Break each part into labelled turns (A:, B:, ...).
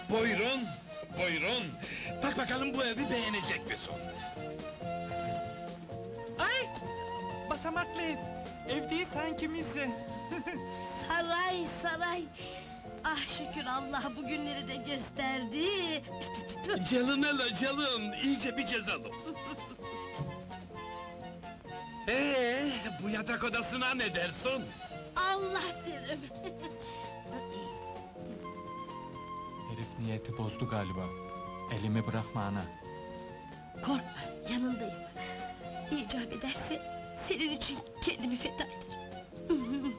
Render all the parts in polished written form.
A: Buyurun, buyurun. Bak bakalım bu evi beğenecek misin?
B: Ay! Basamaklı ev. Ev değil sanki müze.
C: Saray, saray! Ah şükür Allah bugünleri de gösterdi!
A: Calın hele calın, iyice bir cezalım. Bu yatak odasına ne dersin?
C: Allah derim!
B: Herif niyeti bozdu galiba. Elimi bırakma ana.
C: Korkma, yanındayım! İcap ederse, senin için kendimi feda ederim!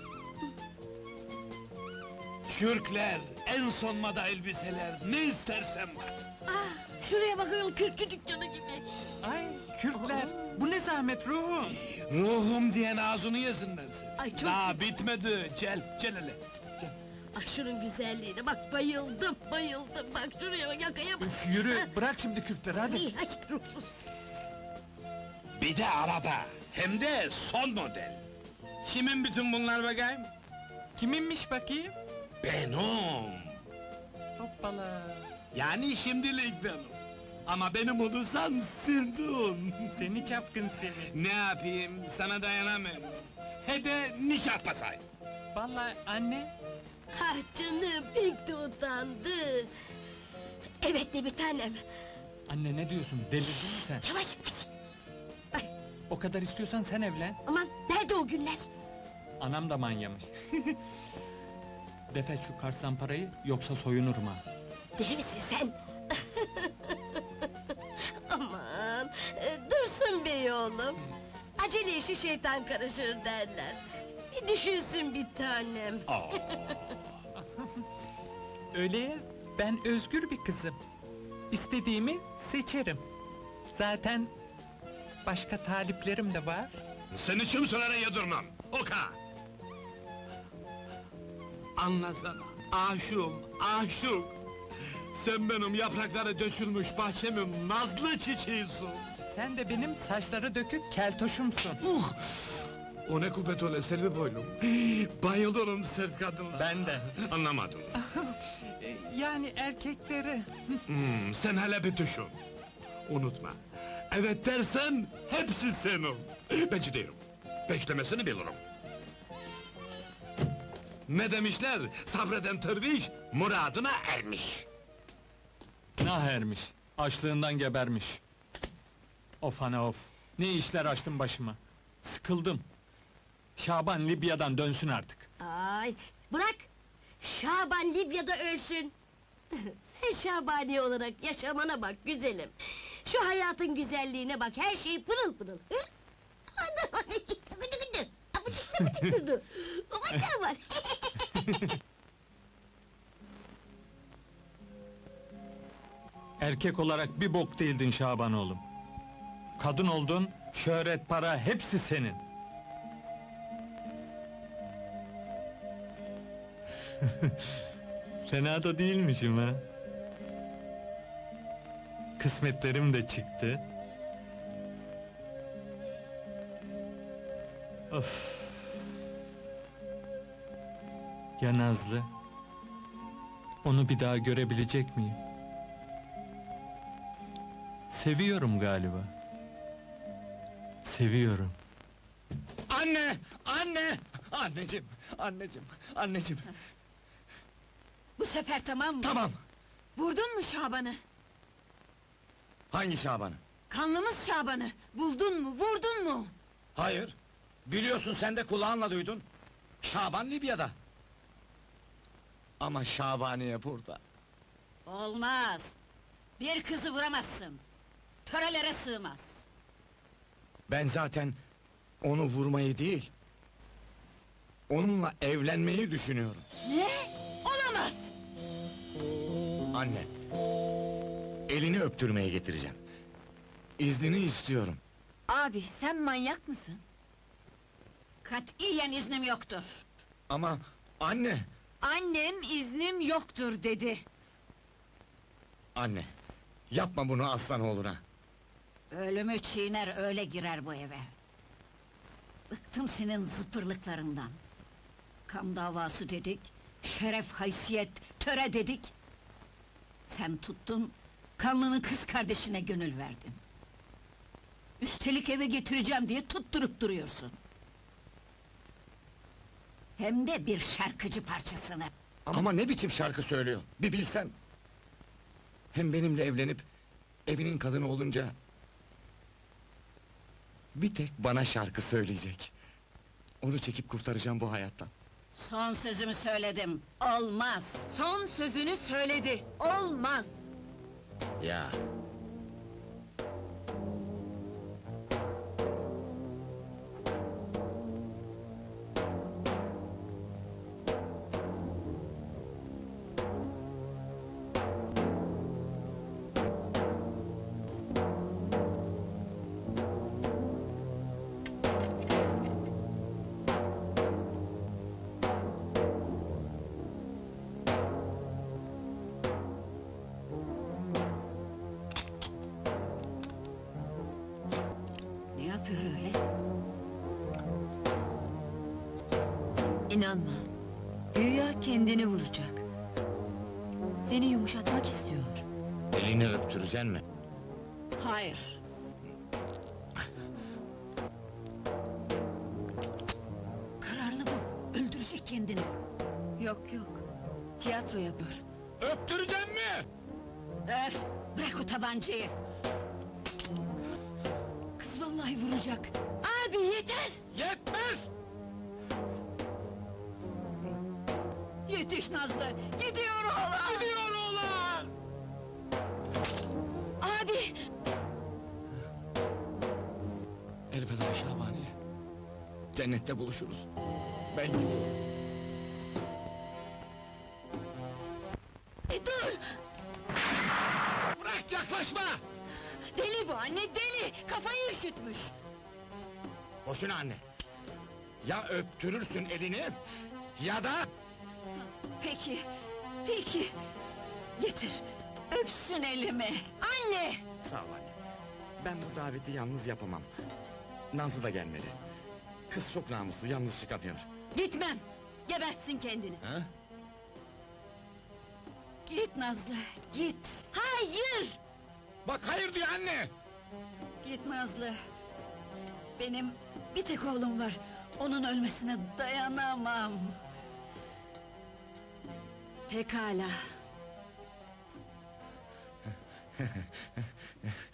A: Çürkler, en son moda elbiseler, ne istersen var.
C: Ah, şuraya bak ayol, kürkçü dükkanı gibi!
B: Ay Kürtler, bu ne zahmet ruhum!
A: Ruhum diyen ağzını yesinler seni.
C: Ay, çok
A: Daha
C: güzel.
A: bitmedi, gel hele.
C: Ah şunun güzelliğine bak, bayıldım, bayıldım! Bak şuraya bak, yakaya bak!
B: Üf yürü, bırak şimdi Kürtleri hadi!
C: Ay, ay, ruhsuz!
A: Bir de araba, hem de son model. Kimin bütün bunlar bakayım?
B: Kiminmiş bakayım?
A: Benim.
B: Hoppala!
A: Yani şimdilik benim. Ama benim olursan sildin.
B: Seni çapkın seni!
A: Ne yapayım, sana dayanamıyorum. He de nikah pasay.
B: Vallahi anne,
C: Ah canım, pek de utandı! Evet de bir tanem!
B: anne ne diyorsun, delirdin mi sen?
C: Yavaş, yavaş!
B: O kadar istiyorsan sen evlen!
C: Aman, nerede o günler?
B: Anam da manyamış! Defet şu kartsan parayı, yoksa soyunurum ha!
C: Deli misin sen? Aman, dursun bey oğlum! Acele işi şeytan karışır derler! Bir düşünsün bir tanem!
A: Aa,
B: Öyle ya, ben özgür bir kızım. İstediğimi seçerim. Zaten başka taliplerim de var.
A: seni kimselere yedirmem, oka! Anlasana, aşığım, aşık! Sen benim yaprakları dökülmüş bahçemin nazlı çiçeğisin!
B: Sen de benim saçları dökük keltoşumsun.
A: O ne kupet öyle Selvi boylum! Bayılırım sert kadınlara!
B: Ben de.
A: Anlamadım.
B: Yani erkekleri.
A: Sen hele bir düşün! Unutma, evet dersen hepsi senin! Ben ciddiyim, beklemesini bilirim! Ne demişler? Sabreden derviş, muradına ermiş!
B: Nah ermiş, açlığından gebermiş. Of ana of, ne işler açtım başıma. Sıkıldım. Şaban Libya'dan dönsün artık.
C: Ay, bırak! Şaban Libya'da ölsün! Sen Şabani olarak yaşamana bak güzelim! Şu hayatın güzelliğine bak, her şey pırıl pırıl! Hı? Aman gıdı gıdı! Apıcık apıcık durdu! Aman ne var?
B: Erkek olarak bir bok değildin Şaban oğlum. Kadın oldun, şöhret, para hepsi senin. Fena da değilmişim ha. Kısmetlerim de çıktı. Of. Ya Nazlı? Onu bir daha görebilecek miyim? Seviyorum galiba. Seviyorum.
A: Anne! Anne! Anneciğim, anneciğim, anneciğim!
D: Bu sefer tamam mı?
A: Tamam!
D: Vurdun mu Şaban'ı?
A: Hangi Şaban'ı?
D: Kanlımız Şaban'ı! Buldun mu, vurdun mu?
A: Hayır! Biliyorsun sen de kulağınla duydun! Şaban Libya'da! Ama Şabaniye burada!
D: Olmaz! Bir kızı vuramazsın! Törelere sığmaz!
E: Ben zaten onu vurmayı değil, onunla evlenmeyi düşünüyorum.
D: Ne? Olamaz!
E: Anne, elini öptürmeye getireceğim. İznini istiyorum.
D: Abi, sen manyak mısın? Katiyen iznim yoktur!
E: Ama anne,
D: Annem iznim yoktur dedi!
E: anne, yapma bunu aslanoğluna.
D: Ölümü çiğner öyle girer bu eve! Bıktım senin zıpırlıklarından! Kan davası dedik, şeref haysiyet, töre dedik! Sen tuttun, kanlının kız kardeşine gönül verdin. Üstelik eve getireceğim diye tutturup duruyorsun. Hem de bir şarkıcı parçasını.
E: Ama ne biçim şarkı söylüyor, bir bilsen! Hem benimle evlenip, evinin kadını olunca... ...bir tek bana şarkı söyleyecek. Onu çekip kurtaracağım bu hayattan.
D: Son sözümü söyledim, olmaz!
F: Son sözünü söyledi. Olmaz.
E: Ya!
D: Ne yapıyor öyle?
F: İnanma. Güya kendini vuracak. Seni yumuşatmak istiyor.
E: Elini öptüreceksin mi?
D: Hayır! Kararlı bu, öldürecek kendini!
F: Yok yok. Tiyatro yapıyor.
E: Öptüreceksin mi?
D: Öf! Bırak o tabancayı! Kız vallahi vuracak!
F: Abi yeter!
E: Yetmez!
D: Yetiş Nazlı! Gidiyor oğlan!
E: Gidiyor oğlan!
F: Abi!
E: Elveda Şabaniye. Cennette buluşuruz. Ben gidiyorum.
F: Dur!
E: Bırak, yaklaşma!
F: Deli bu anne, deli! Kafayı üşütmüş!
E: Boşuna anne! Ya öptürürsün elini, ya da...
D: Peki, peki! Getir, öpsün elimi!
F: Anne!
E: Sağ ol anne. Ben bu daveti yalnız yapamam. Nazlı da gelmeli. Kız çok namuslu, yalnız çıkamıyor.
F: Gitmem! Gebertsin kendini!
E: Ha?
D: Git Nazlı, git!
F: Hayır!
E: Bak hayır diyor anne!
D: Git Nazlı! Benim bir tek oğlum var, onun ölmesine dayanamam! Pekala!